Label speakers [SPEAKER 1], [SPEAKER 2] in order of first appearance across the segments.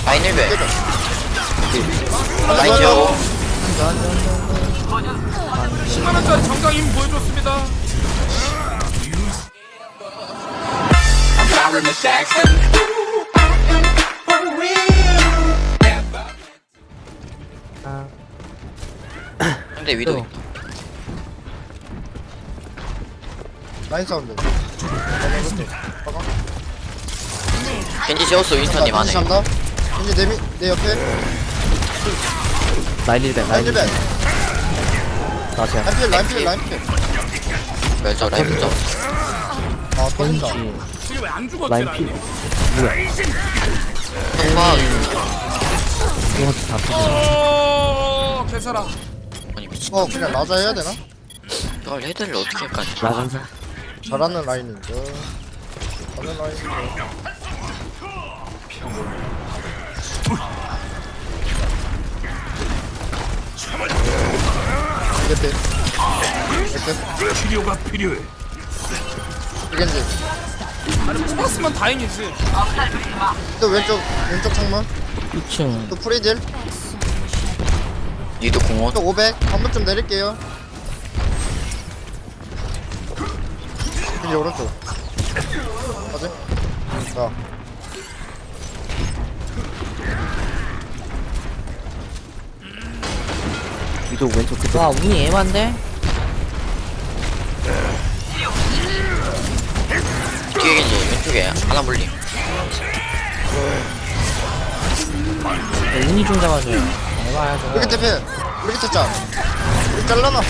[SPEAKER 1] 라인 1배.
[SPEAKER 2] 깨져.
[SPEAKER 1] 라인 지하고.
[SPEAKER 3] 10만원짜리 정강 힘 보여줬습니다.
[SPEAKER 1] 근데 위도 있다.
[SPEAKER 2] 라인 사운드.
[SPEAKER 1] 겐지 재웠어 윈스턴님 안에.
[SPEAKER 2] 한다. 이제 내 옆에.
[SPEAKER 4] 라인 1배
[SPEAKER 2] 라인
[SPEAKER 4] 라인
[SPEAKER 2] 1배.
[SPEAKER 4] 1배
[SPEAKER 2] 라인 필.
[SPEAKER 1] 멸저 라인 멸저.
[SPEAKER 2] 아, 터진다.
[SPEAKER 3] 지금 왜 안 죽었지?
[SPEAKER 4] 라인 필
[SPEAKER 1] 통과.
[SPEAKER 4] 이거 다 터져
[SPEAKER 3] 오, 개사라.
[SPEAKER 1] 아니 미친.
[SPEAKER 2] 그냥 라자 해야 되나?
[SPEAKER 1] 이걸 헤드를 어떻게 할까지?
[SPEAKER 4] 라간사
[SPEAKER 2] 잘하는 라인이죠. 잘하는 라인이죠. 이게 이렇게
[SPEAKER 3] 치료가 필요해.
[SPEAKER 2] 이겐지.
[SPEAKER 3] 아니 뽑았으면 다행이지.
[SPEAKER 2] 또 왼쪽 창문.
[SPEAKER 4] 2층
[SPEAKER 2] 또 프리딜.
[SPEAKER 1] 위도 공원.
[SPEAKER 2] 또 500. 한 번 좀 내릴게요. 이제 오른쪽. 맞지? 자.
[SPEAKER 4] 위도 왼쪽 그쪽
[SPEAKER 5] 와 운이 애만데?
[SPEAKER 1] 뒤에 겐지 왼쪽에 하나 물림.
[SPEAKER 5] 운이 좀 잡아줘요. 에바야 저거.
[SPEAKER 2] 여기 대패. 여기 됐자. 여기 잘라놨어.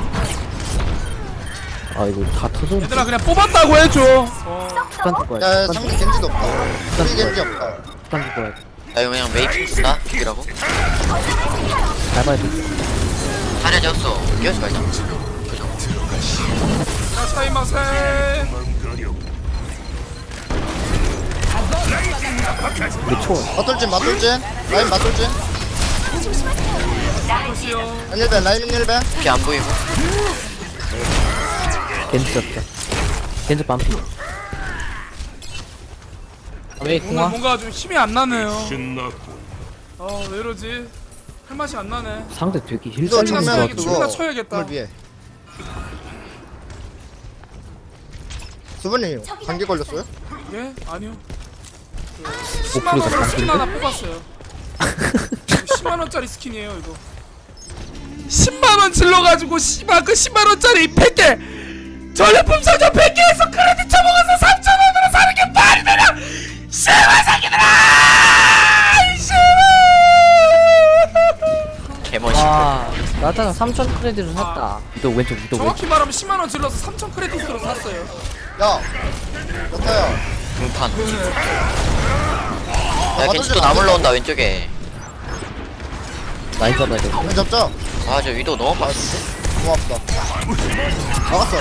[SPEAKER 4] 아 이거 다 터져
[SPEAKER 3] 얘들아 그냥 뽑았다고 해줘.
[SPEAKER 4] 습관 줄 거야
[SPEAKER 2] 야, 상대 겐지도 없다. 여기 겐지 없다.
[SPEAKER 4] 습관 줄 거야
[SPEAKER 1] 나 이거 그냥 메이킹 쓴다? 죽이라고?
[SPEAKER 4] 밟아야 돼
[SPEAKER 1] 하나 재웠어. 끼워지 말자.
[SPEAKER 3] 자 차이마세.
[SPEAKER 4] 이게 초
[SPEAKER 2] 맞돌진. 라인 맞돌진.
[SPEAKER 3] 보시오.
[SPEAKER 2] 라인 1배. 라인 1배.
[SPEAKER 1] 피 안 보이고.
[SPEAKER 4] 겐지 잡자 겐지 반피
[SPEAKER 5] 왜
[SPEAKER 3] 오늘
[SPEAKER 5] 궁화?
[SPEAKER 3] 뭔가 좀 힘이 안 나네요. 왜 이러지? 할 맛이 안 나네.
[SPEAKER 4] 상대 되게 힐
[SPEAKER 2] 이거
[SPEAKER 4] 살리는
[SPEAKER 2] 정면
[SPEAKER 3] 이거
[SPEAKER 4] 거
[SPEAKER 3] 춤이나
[SPEAKER 2] 그거
[SPEAKER 3] 춰야겠다.
[SPEAKER 2] 건물 위에. 수분님 감기 걸렸어요?
[SPEAKER 3] 예? 아니요.
[SPEAKER 4] 목소리가
[SPEAKER 3] 10만원으로 스킨
[SPEAKER 4] 바뀌는데?
[SPEAKER 3] 하나 뽑았어요. 10만원짜리 스킨이에요 이거. 10만원 질러가지고 씨발 그 10만원짜리 100개 전리품 상점 100개에서 크레딧 쳐먹어서 3,000원으로 사는 게 말이 되냐! 씨발 새끼들아!
[SPEAKER 1] 개멋있고.
[SPEAKER 5] 와 나타나 3,000 크레딧을 샀다.
[SPEAKER 4] 위도 왼쪽 위도 왼쪽
[SPEAKER 3] 정확히 말하면 10만원 질러서 3,000 크레딧으로 샀어요.
[SPEAKER 2] 야, 여타야.
[SPEAKER 1] 등판. 야 겐지 또 나물러 온다 왼쪽에.
[SPEAKER 4] 라인 잡아야 돼
[SPEAKER 2] 공 잡자.
[SPEAKER 1] 아 저 위도 너무 빠졌어.
[SPEAKER 2] 고맙다. 막았어.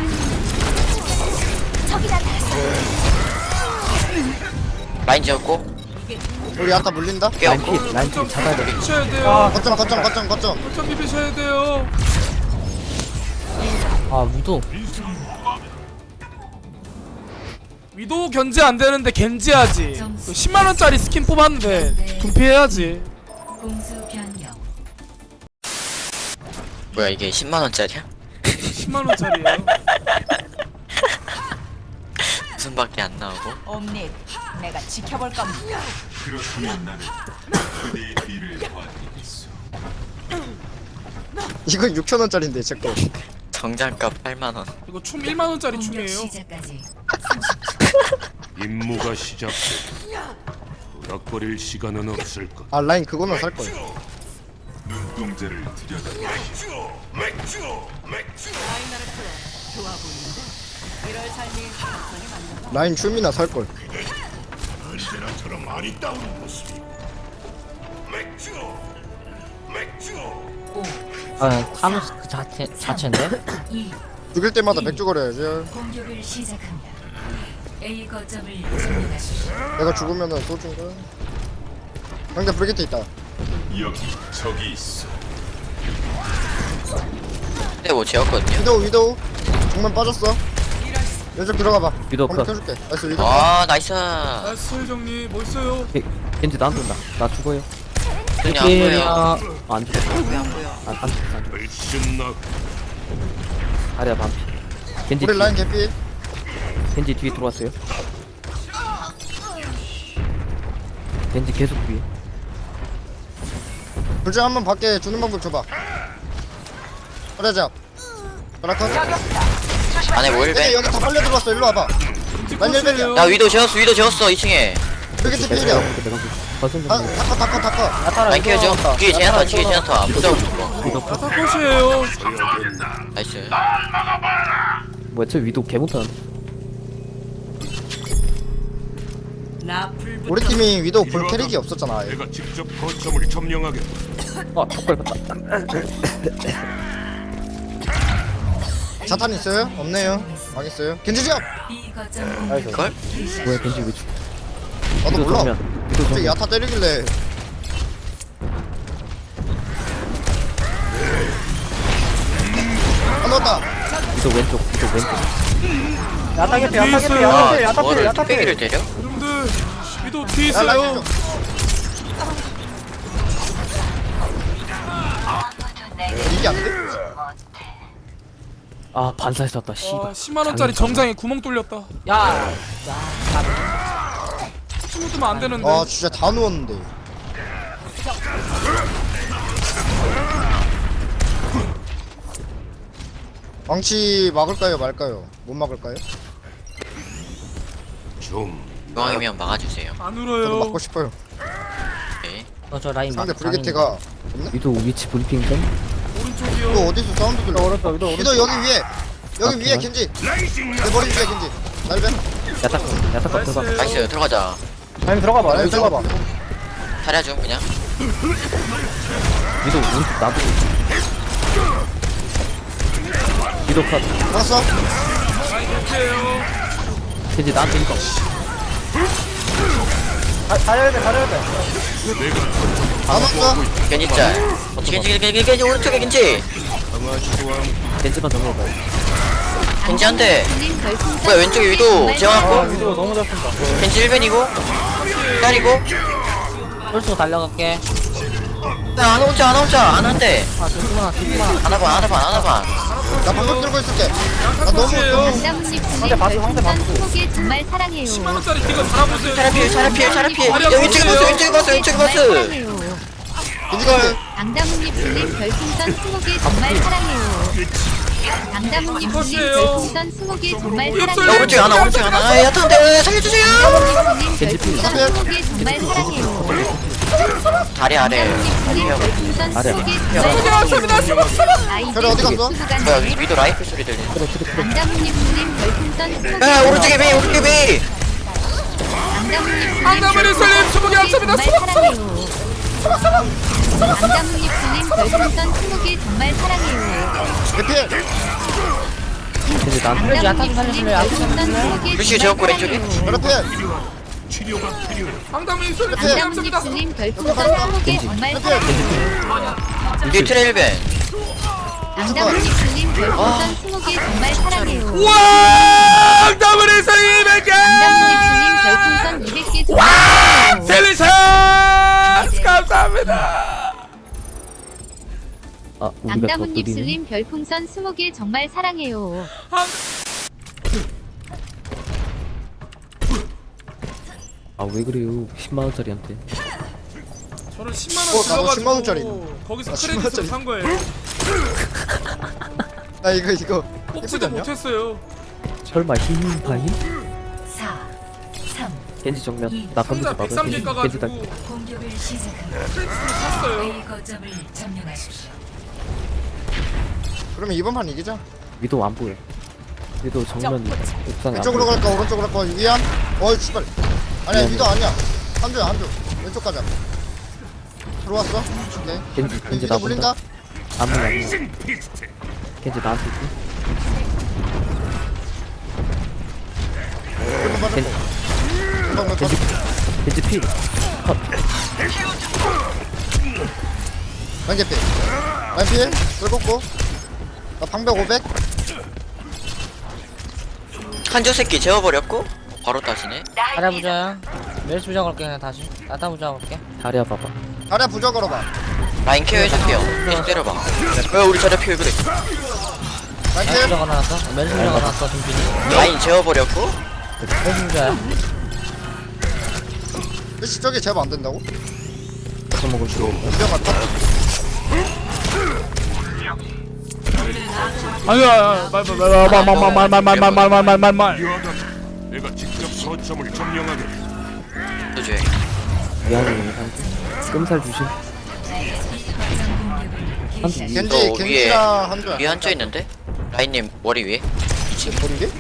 [SPEAKER 1] 라인 지었고.
[SPEAKER 2] 우리 아까 물린다.
[SPEAKER 4] 라인
[SPEAKER 1] 깨웠고.
[SPEAKER 4] 필 라인 필 잡아야 돼
[SPEAKER 3] 비비셔야 돼요.
[SPEAKER 2] 거점.
[SPEAKER 3] 거점 비비셔야 돼요.
[SPEAKER 5] 아 위도.
[SPEAKER 3] 위도우 견제 안 되는데 겐지하지. 10만원짜리 스킨 뽑았는데 분피해야지.
[SPEAKER 6] 공수 변경.
[SPEAKER 1] 뭐야 이게 10만원짜리야?
[SPEAKER 3] 10만원짜리에요.
[SPEAKER 1] 무슨 밖에 안 나오고.
[SPEAKER 6] 옴닉, 내가 지켜볼 겁니다.
[SPEAKER 2] 이건 6,000원짜리인데 제 거.
[SPEAKER 1] 정장값 8만원.
[SPEAKER 3] 이거 춤 1만원짜리
[SPEAKER 6] 공격
[SPEAKER 3] 춤이에요.
[SPEAKER 6] 시작까지
[SPEAKER 7] 임무가 시작돼. 덕거릴 시간은 없을 것.
[SPEAKER 2] 아, 라인 그거는 살 거야.
[SPEAKER 7] 눈동자를 들여다.
[SPEAKER 2] 라인 춤이나 살 걸.
[SPEAKER 5] 아 타노스 그 자체인데?
[SPEAKER 2] 죽일 때마다 맥주 거려야지.
[SPEAKER 6] 공격을 시작합니다. A 거점을 점령하십시오.
[SPEAKER 2] 내가 죽으면은 소중가. 상대 브리게트 있다.
[SPEAKER 7] 여기 적이 있어.
[SPEAKER 1] 근데 뭐 지었거든요.
[SPEAKER 2] 위도우. 정면 빠졌어. 왼쪽 들어가봐.
[SPEAKER 4] 위도우
[SPEAKER 2] 한번
[SPEAKER 4] 컷.
[SPEAKER 2] 켜줄게. 나이스 위도우.
[SPEAKER 1] 아 나이스.
[SPEAKER 3] 나이스 정리 멋있어요.
[SPEAKER 4] 겐지 나한테 온다. 나 죽어요.
[SPEAKER 1] 눈이 안 보여.
[SPEAKER 4] 안 죽었어.
[SPEAKER 1] 안 보여.
[SPEAKER 4] 안 죽었어.
[SPEAKER 7] 훨씬 나
[SPEAKER 4] 아리야 반피. 겐지
[SPEAKER 2] 우리
[SPEAKER 4] 뒤,
[SPEAKER 2] 라인 개피.
[SPEAKER 4] 겐지 뒤에 들어왔어요. 겐지 계속 뒤에.
[SPEAKER 2] 불장 한번 밖에 주는 방법 줘봐. 그러자. 그라커.
[SPEAKER 1] 안에 뭐
[SPEAKER 2] 여기
[SPEAKER 1] 1배.
[SPEAKER 2] 여기 다 빨려 들어왔어. 일로 와봐. 난 1벨이야.
[SPEAKER 1] 야 위도 재웠어 2층에.
[SPEAKER 2] 여기 TP이야.
[SPEAKER 4] 내가 버튼 좀.
[SPEAKER 2] 다커.
[SPEAKER 1] 라인 키워줘. 뒤에 제나타. 무서워 죽어.
[SPEAKER 3] 야타컷이에요.
[SPEAKER 1] 나이스.
[SPEAKER 4] 뭐야 저 위도 개 못하는데.
[SPEAKER 2] 우리 팀이 위도우 볼 캐릭이 없었잖아.
[SPEAKER 7] 내가 직접 거점을 점령하겠다.
[SPEAKER 4] 아 턱걸 봤다.
[SPEAKER 2] 자탄 있어요? 없네요. 망했어요. 겐지 지압.
[SPEAKER 6] B 거점 공격을
[SPEAKER 1] 걸?
[SPEAKER 4] 뭐야 겐지 왜 죽어?
[SPEAKER 2] 나도
[SPEAKER 4] 위도
[SPEAKER 2] 몰라.
[SPEAKER 4] 정면. 위도
[SPEAKER 2] 갑자기
[SPEAKER 4] 정면.
[SPEAKER 2] 야타 때리길래. 안 넣었다.
[SPEAKER 4] 위도 왼쪽. 위도 왼쪽.
[SPEAKER 3] 뒤에 있어요.
[SPEAKER 1] 뭐를 뚝배기를 때려?
[SPEAKER 3] 여러분들 위도 뒤에
[SPEAKER 2] 야 라인
[SPEAKER 3] 있어요.
[SPEAKER 2] 좀. 이게 안 돼?
[SPEAKER 4] 아 반사에 쐈다. 씨발.
[SPEAKER 3] 와 10만원짜리 정장에 구멍 뚫렸다.
[SPEAKER 5] 야
[SPEAKER 3] 숨으면 안 되는데.
[SPEAKER 2] 아 진짜 다 누웠는데. 망치 막을까요 말까요? 못 막을까요?
[SPEAKER 7] 좀
[SPEAKER 1] 중앙이면 막아주세요.
[SPEAKER 3] 안
[SPEAKER 2] 저도
[SPEAKER 3] 울어요.
[SPEAKER 2] 막고 싶어요.
[SPEAKER 1] 오케이.
[SPEAKER 5] 저 라인
[SPEAKER 2] 상대
[SPEAKER 5] 막
[SPEAKER 2] 브리게트가
[SPEAKER 4] 위도 위치 브리핑 좀.
[SPEAKER 3] 오른쪽이요.
[SPEAKER 2] 이거 어디서 사운드 들려? 위도 여기 위에. 여기 위에 겐지. 내 머리 위에 겐지. 날벤.
[SPEAKER 4] 야타컷 들어가.
[SPEAKER 3] 나이스.
[SPEAKER 1] 나이스 들어가자.
[SPEAKER 2] 라인 들어가봐.
[SPEAKER 1] 차려줘 그냥.
[SPEAKER 4] 위도 오른쪽 나도. 위도 컷.
[SPEAKER 2] 알았어.
[SPEAKER 3] 이렇게요.
[SPEAKER 4] 겐지 나한테 이거.
[SPEAKER 2] 안 왔어.
[SPEAKER 1] 겐지 짤. 겐지 오른쪽에 겐지.
[SPEAKER 4] 겐지만 정리해봐.
[SPEAKER 1] 겐지 한 대. 뭐야 왼쪽에 위도 재워놨고.
[SPEAKER 5] 위도 너무 잘 쏜다.
[SPEAKER 1] 겐지 1벤이고. 딸이고.
[SPEAKER 5] 홀수 달려갈게.
[SPEAKER 1] 안 오자 안 한대.
[SPEAKER 5] 아 조금만
[SPEAKER 1] 하나봐.
[SPEAKER 2] 나 방금 들고 있을게. 나 너무
[SPEAKER 8] 남자분님 별풍선 20개 정말 사랑해요.
[SPEAKER 3] 10만원짜리 이거 달아보세요.
[SPEAKER 1] 차라필. 야 왼쪽에 봤어.
[SPEAKER 2] 겐지가
[SPEAKER 8] 강다문님 불림 별풍선 20개 정말 사랑해요. 강다문님 불림 별풍선 20개 정말
[SPEAKER 1] 야
[SPEAKER 8] 사랑해요.
[SPEAKER 1] 오른쪽에 하나. 아 야타한테 살려주세요.
[SPEAKER 8] 강다문님 불림 별풍선 20개 정말 사랑해요.
[SPEAKER 1] 다리 아래.
[SPEAKER 8] 불림 별풍선 20개 정말
[SPEAKER 3] 저기
[SPEAKER 8] 사랑해요.
[SPEAKER 2] 저리 어디 갔어?
[SPEAKER 1] 뭐야 위도 라이플 소리 들리네.
[SPEAKER 8] 강다문님 불림 별풍선 20개
[SPEAKER 1] 야 오른쪽에 비.
[SPEAKER 3] 강다문님 살림 20개 합쳐입니다.
[SPEAKER 8] 강다문님 불림 별풍선 20개 정말 사랑해요.
[SPEAKER 2] 대필.
[SPEAKER 4] 겐지 나한테.
[SPEAKER 8] 강다문님 불림 별풍선 20개
[SPEAKER 1] 루시 재웠고 왼쪽에.
[SPEAKER 2] 그렇필.
[SPEAKER 7] 치료가 필요해.
[SPEAKER 3] 강다문님 살림 20개
[SPEAKER 8] 강다문님
[SPEAKER 3] 합쳐입니다.
[SPEAKER 8] 불림 별풍선 20개 정말 사랑해요.
[SPEAKER 1] 뒤에 트레일벤.
[SPEAKER 8] 강다문님 불림 별풍선 20개 정말 사랑해요.
[SPEAKER 3] 우와 강다문님 살림 200개.
[SPEAKER 8] 강다문님 불림 별풍선 200개 정말 사랑해요.
[SPEAKER 3] 셀리션 감사합니다.
[SPEAKER 4] 아 우리가 더
[SPEAKER 8] 강다문님
[SPEAKER 4] 느리네.
[SPEAKER 8] 슬림 별풍선 20개 정말 사랑해요.
[SPEAKER 4] 아 왜 그래요? 10만 원짜리한테.
[SPEAKER 3] 저는 10만원
[SPEAKER 2] 나도
[SPEAKER 3] 들어가지고
[SPEAKER 2] 10만 원짜리.
[SPEAKER 3] 거기서
[SPEAKER 2] 나 10만
[SPEAKER 3] 크레딧을
[SPEAKER 2] 원짜리.
[SPEAKER 3] 산 거예요.
[SPEAKER 2] 나 이거 예쁘지
[SPEAKER 3] 뽑지도
[SPEAKER 2] 않냐?
[SPEAKER 3] 못했어요.
[SPEAKER 4] 설마 흰 파인?
[SPEAKER 6] 4 3
[SPEAKER 4] 겐지 정면. 나
[SPEAKER 3] 혼자
[SPEAKER 4] 건드지
[SPEAKER 3] 103개
[SPEAKER 4] 마. 겐지
[SPEAKER 3] 까가지고
[SPEAKER 4] 다.
[SPEAKER 6] 공격을 시작합니다.
[SPEAKER 3] 크레딧을 샀어요.
[SPEAKER 6] A 거점을 점령하십시오.
[SPEAKER 2] 그러면 이번 판 이기자.
[SPEAKER 4] 위도 안 보여. 위도 정면 옥상에 안
[SPEAKER 2] 왼쪽으로
[SPEAKER 4] 보여.
[SPEAKER 2] 갈까 오른쪽으로 갈까 위안? 어이 씨발. 아니야 위도 아니야. 한조야 한조. 왼쪽 가자. 들어왔어? 오케이.
[SPEAKER 4] 겐지
[SPEAKER 2] 위도
[SPEAKER 4] 나
[SPEAKER 2] 물린다.
[SPEAKER 4] 본다. 안 보여 안 보여. 겐지 나한테 있고.
[SPEAKER 2] 일번 맞았고.
[SPEAKER 4] 겐지
[SPEAKER 2] 금방 몇
[SPEAKER 4] 겐지 겐지 피. 컷.
[SPEAKER 2] 라인 개피. 라인 피해. 끌고 나 방벽 500.
[SPEAKER 1] 한조 새끼 재워버렸고 바로 따시네.
[SPEAKER 5] 잘해보자. 멜시 부자 걸게 그냥 다시. 나타 부자 걸게.
[SPEAKER 4] 자리야 봐봐.
[SPEAKER 2] 자리야 부적 걸어봐.
[SPEAKER 1] 라인 케어 해줄게요. 계속 때려봐. 왜 우리 자리 피해 그래?
[SPEAKER 2] 나이스.
[SPEAKER 5] 멜시 부자 걸어놨어. 멜시 부자 걸어놨어 준빈이.
[SPEAKER 1] 라인 재워버렸고.
[SPEAKER 5] 멜시 부자야.
[SPEAKER 2] 멜시 저기 제압 안 된다고?
[SPEAKER 4] 뺏어 먹을 줄.
[SPEAKER 2] 부적 같다.
[SPEAKER 3] 아니야 말말말말말말말말말말
[SPEAKER 7] 미안하다. 내가 직접 거점을 점령하겠다.
[SPEAKER 1] 그죠?
[SPEAKER 4] 미안해 한주. 끔살 주심. 한주 위.
[SPEAKER 2] 겐지
[SPEAKER 1] 너 위에
[SPEAKER 2] 겐지랑 한조야.
[SPEAKER 1] 위에 앉아 있는데? 라인님 머리 위에?
[SPEAKER 2] 보리게?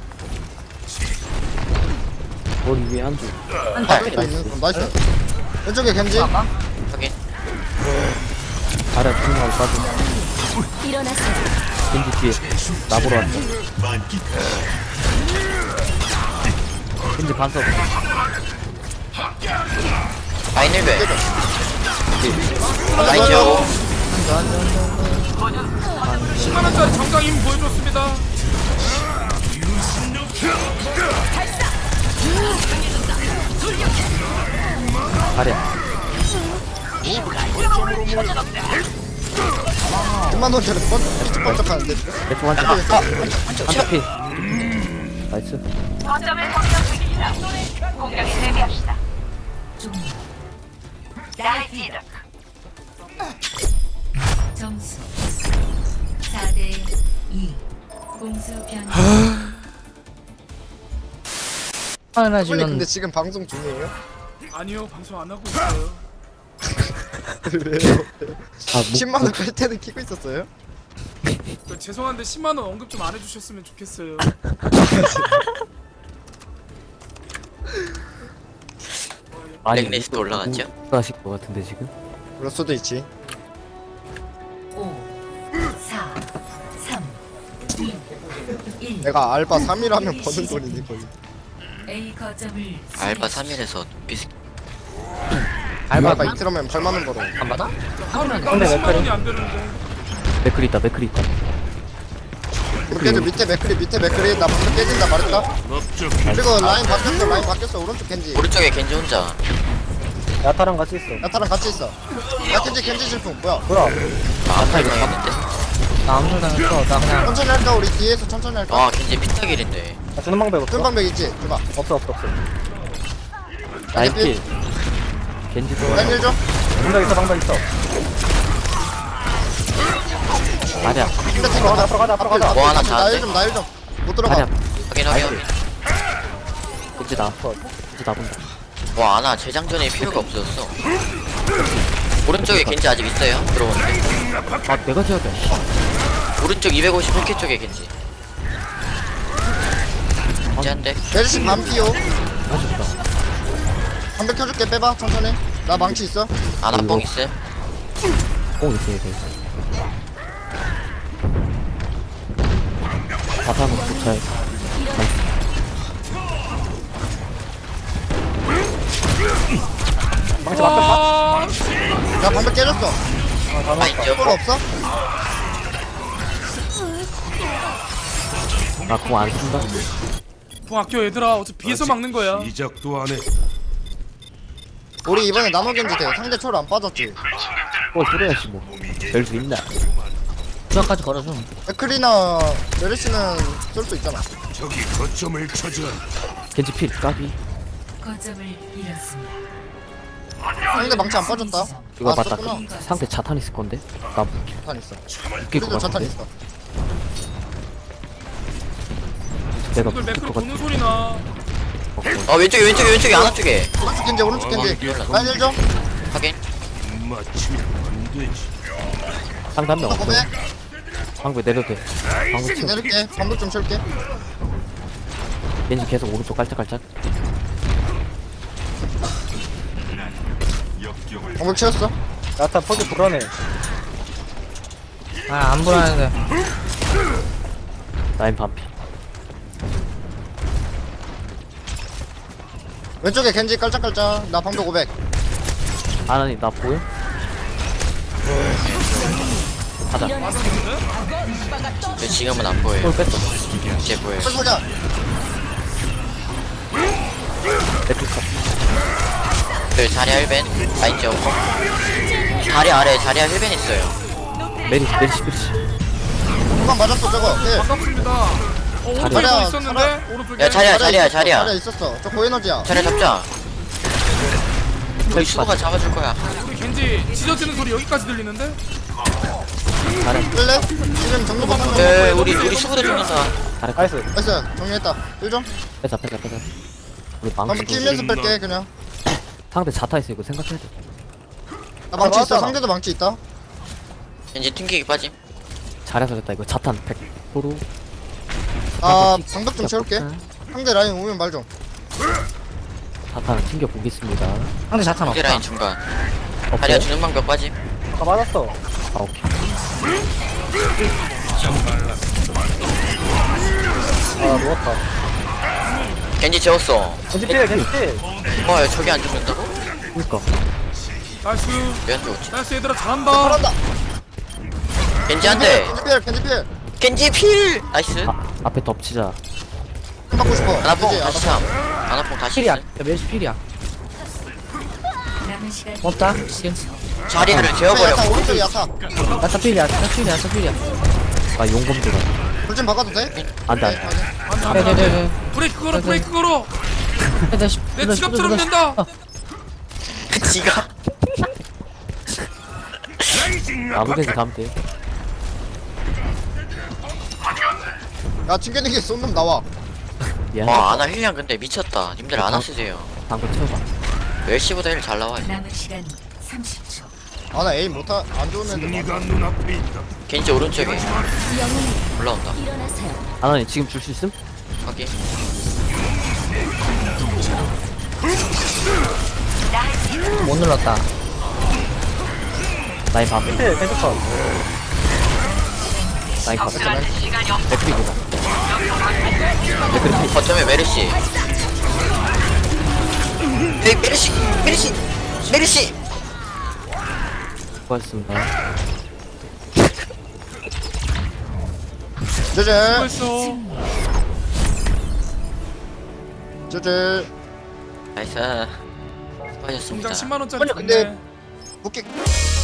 [SPEAKER 4] 머리 위에 한주.
[SPEAKER 2] 다 있는 거 나이스. 왼쪽에 겐지.
[SPEAKER 1] 확인.
[SPEAKER 4] 자리야 중앙 빠져. 겐지 뒤에 나보러 왔네. 겐지 반석.
[SPEAKER 1] 라인 1배. 라인 재우고.
[SPEAKER 3] 10만원짜리 정강 힘 보여줬습니다.
[SPEAKER 4] 자리야.
[SPEAKER 2] 10만 원짜리 번쩍하는데.
[SPEAKER 4] 대충 한주. 한주 피. 나이스.
[SPEAKER 6] 점수 4대 2. 공수 변경.
[SPEAKER 5] 하나
[SPEAKER 2] 빨리
[SPEAKER 5] 지금
[SPEAKER 2] 근데 지금 방송 중이에요?
[SPEAKER 3] 아니요 방송 안 하고 있어요.
[SPEAKER 2] 왜요?
[SPEAKER 4] 아
[SPEAKER 2] 10만 원 뺄 때는 키고 있었어요?
[SPEAKER 3] 죄송한데 10만원 언급 좀 안 해주셨으면 좋겠어요.
[SPEAKER 1] 랭리스트 올라갔죠?
[SPEAKER 4] 하실 것 같은데 지금.
[SPEAKER 2] 그럴 수도 있지.
[SPEAKER 6] 5 4 3 2 1.
[SPEAKER 2] 내가 알바 3일하면 버는 돈이니 거의.
[SPEAKER 6] A 거점을
[SPEAKER 1] 알바 3일에서 비스
[SPEAKER 2] 알바 이틀 하면 8만 원 벌어.
[SPEAKER 5] 안 받아?
[SPEAKER 3] 근데
[SPEAKER 5] 근데
[SPEAKER 3] 10만원이 안 되는데.
[SPEAKER 4] 맥클이 있다. 맥클이 있다.
[SPEAKER 2] 깨져 밑에 맥크리 나 방금 깨진다 말했다.
[SPEAKER 7] 넓적
[SPEAKER 2] 그리고 라인 바뀌었어 오른쪽 겐지.
[SPEAKER 1] 오른쪽에 겐지 혼자.
[SPEAKER 4] 야타랑 같이 있어.
[SPEAKER 2] 나타랑 같이 있어. 야 겐지 실풍 뭐야?
[SPEAKER 1] 아파 이상했는데.
[SPEAKER 5] 나 아무 소리 안 했어. 나 그냥
[SPEAKER 2] 천천히 할까 우리 뒤에서 천천히 할까?
[SPEAKER 1] 아 겐지 피타길인데.
[SPEAKER 4] 주는 방법 없어?
[SPEAKER 2] 큰 방벽 있지? 줘봐.
[SPEAKER 4] 없어. 라인 킬. 겐지도.
[SPEAKER 2] 라인 1줘.
[SPEAKER 4] 방법 있어. 자리야.
[SPEAKER 2] 근데 팀 가자.
[SPEAKER 1] 뭐 하나 잘하는데?
[SPEAKER 2] 나 1좀. 못 들어가.
[SPEAKER 4] 자리야.
[SPEAKER 1] 확인 확인.
[SPEAKER 4] 겐지 나. 겐지 나본다.
[SPEAKER 1] 와 아나 재장전에 필요가 없어졌어. 오른쪽에 겐지 아직 있어요. 들어오는데.
[SPEAKER 4] 아 내가 지어야 돼.
[SPEAKER 1] 오른쪽 251개 쪽에 겐지. 겐지 한 대.
[SPEAKER 2] 멜시 반피오.
[SPEAKER 4] 아쉽다.
[SPEAKER 2] 방벽 켜줄게 빼봐 천천히. 나 망치 있어.
[SPEAKER 1] 아나 뽕 있어요.
[SPEAKER 4] 꼭 있어야 돼. 바탕은 도착해.
[SPEAKER 3] 와,
[SPEAKER 2] 야 방벽 깨졌어.
[SPEAKER 1] 라인
[SPEAKER 2] 볼
[SPEAKER 1] 재웠고.
[SPEAKER 2] 없어?
[SPEAKER 4] 나공 안 쓴다.
[SPEAKER 3] 공 아껴 얘들아. 어차피 비에서 막는 거야.
[SPEAKER 7] 시작도 안 해.
[SPEAKER 2] 우리 이번에 나노 겐지 돼. 상대 초로 안 빠졌지.
[SPEAKER 4] 들어야지 뭐. 될 수 있나?
[SPEAKER 5] 부자까지 걸어줌.
[SPEAKER 2] 맥크리나 메르시는 쏠 수 있잖아.
[SPEAKER 7] 저기 거점을 차지한다.
[SPEAKER 4] 겐지 필 까비.
[SPEAKER 6] 거점을 잃었습니다.
[SPEAKER 2] 상대 망치 안 빠졌다.
[SPEAKER 4] 이거
[SPEAKER 2] 아,
[SPEAKER 4] 맞다.
[SPEAKER 2] 썼구나.
[SPEAKER 4] 상대 자탄 있을 건데. 나
[SPEAKER 2] 자탄 있어.
[SPEAKER 4] 웃길 것
[SPEAKER 2] 우리도 자탄
[SPEAKER 4] 같은데.
[SPEAKER 2] 있어.
[SPEAKER 4] 내가
[SPEAKER 3] 오늘
[SPEAKER 4] 웃길
[SPEAKER 3] 매크로
[SPEAKER 4] 것
[SPEAKER 3] 보는
[SPEAKER 4] 같아.
[SPEAKER 3] 소리 나.
[SPEAKER 1] 어 왼쪽에 아나 쪽에.
[SPEAKER 2] 오른쪽 겐지 오른쪽 겐지. 라인 1줘.
[SPEAKER 1] 확인.
[SPEAKER 7] 맞추면 안 되지.
[SPEAKER 4] 상대 한명 없어.
[SPEAKER 2] 고백.
[SPEAKER 4] 방금 내려도 돼. 방금 치
[SPEAKER 2] 내릴게. 방벽 좀 칠게.
[SPEAKER 4] 겐지 계속 오른쪽 깔짝깔짝.
[SPEAKER 2] 방벽 채웠어.
[SPEAKER 4] 야타 퍼즐 불안해.
[SPEAKER 5] 아안 불안해.
[SPEAKER 4] 라인 반피.
[SPEAKER 2] 왼쪽에 겐지 깔짝깔짝. 나 방벽 500.
[SPEAKER 4] 아나니 나 보여? 가자.
[SPEAKER 1] 저 지금은 안 보여요.
[SPEAKER 4] 골 뺐어.
[SPEAKER 1] 이제 보여요.
[SPEAKER 2] 소자.
[SPEAKER 1] 그 자리야 힐벤 라인 지었고 자리 아래 자리야 힐벤 있어요.
[SPEAKER 4] 메리시.
[SPEAKER 2] 한번 맞았어 저거. 예.
[SPEAKER 3] 반갑습니다. 오른쪽에
[SPEAKER 2] 자리야,
[SPEAKER 3] 또 있었는데 오른쪽에.
[SPEAKER 1] 야 자리야 자리야
[SPEAKER 2] 자리야
[SPEAKER 1] 자리야
[SPEAKER 2] 있었어. 저 고에너지야.
[SPEAKER 1] 자리야 잡자. 우리 수호가 잡아줄 거야.
[SPEAKER 3] 우리 겐지 짖어지는 소리 여기까지 들리는데?
[SPEAKER 2] 끌래? 지금 정도만 하면
[SPEAKER 1] 에 우리 수호도 죽는다.
[SPEAKER 2] 나이스 정리했다. 1점.
[SPEAKER 4] 빼자. 우리
[SPEAKER 2] 한번
[SPEAKER 4] 망치.
[SPEAKER 2] 끼면서 뺄게 그냥.
[SPEAKER 4] 상대 자타 있어 이거 생각해야 돼.
[SPEAKER 2] 나 망치 있어. 상대도 망치 있다.
[SPEAKER 1] 이제 튕기기 빠짐.
[SPEAKER 4] 잘해서 됐다 이거 자탄 100%.
[SPEAKER 2] 아 방벽 좀 채울게. 상대 라인 오면 말 좀.
[SPEAKER 4] 자탄 튕겨 보겠습니다.
[SPEAKER 5] 상대 자탄
[SPEAKER 1] 상대
[SPEAKER 5] 없다.
[SPEAKER 1] 라인 중간.
[SPEAKER 4] 오케이.
[SPEAKER 1] 자리야 주는 방법 빠짐.
[SPEAKER 4] 아 오케이.
[SPEAKER 1] 겐지 재웠어.
[SPEAKER 2] 겐지 필.
[SPEAKER 1] 야 저기 안 죽는다고?
[SPEAKER 4] 그니까.
[SPEAKER 3] 나이스.
[SPEAKER 1] 왜 안 죽었지?
[SPEAKER 3] 나이스 얘들아 잘한다.
[SPEAKER 2] 잘한다.
[SPEAKER 1] 겐지 한 대.
[SPEAKER 2] 겐지 필.
[SPEAKER 1] 겐지 필. 나이스.
[SPEAKER 4] 앞에 덮치자.
[SPEAKER 2] 힘 받고 싶어.
[SPEAKER 1] 아나뽕
[SPEAKER 2] 겐지,
[SPEAKER 1] 다시 참. 아나뽕 다시.
[SPEAKER 5] 필이야.
[SPEAKER 1] 있음.
[SPEAKER 5] 야, 메리시 필이야.
[SPEAKER 6] 남은 시간
[SPEAKER 5] 없다.
[SPEAKER 1] 자리를
[SPEAKER 2] 야타
[SPEAKER 1] 재워버려.
[SPEAKER 2] 오른쪽 야타.
[SPEAKER 5] 야타 필이야. 야타 필이야.
[SPEAKER 4] 나 용검들아.
[SPEAKER 2] 불좀 바꿔도 돼?
[SPEAKER 4] 안돼.
[SPEAKER 5] 네네네.
[SPEAKER 3] 브레이크 걸어 브레이크 걸어. 내 지갑처럼 된다.
[SPEAKER 1] 지가.
[SPEAKER 4] 아무데나 가면 돼.
[SPEAKER 2] 야 튕겨내기 쏜놈 나와.
[SPEAKER 4] 미안.
[SPEAKER 1] 와 아나 힐량 근데 미쳤다. 님들 아나 쓰세요.
[SPEAKER 4] 방금 채워봐.
[SPEAKER 1] 멜시보다 힐 잘 나와.
[SPEAKER 6] 남은 시간 30초.
[SPEAKER 2] 아나 에임 못하 안 좋은 애들.
[SPEAKER 7] 승리가 눈앞에 있다.
[SPEAKER 1] 겐지 오른쪽에 올라온다.
[SPEAKER 4] 아나니 지금 줄 수 있음?
[SPEAKER 1] 확인.
[SPEAKER 5] 못 눌렀다.
[SPEAKER 4] 라인 반. 라인 반. 맥크리보다.
[SPEAKER 1] 거점에 메르시. 메르시.
[SPEAKER 4] 수고하셨습니다.
[SPEAKER 2] 제제
[SPEAKER 3] 수고했어.
[SPEAKER 2] 제제.
[SPEAKER 1] 나이스.
[SPEAKER 3] 공장
[SPEAKER 1] 수고하셨습니다.
[SPEAKER 3] 10만 원짜리
[SPEAKER 2] 근데
[SPEAKER 3] 줬네.
[SPEAKER 2] 복귀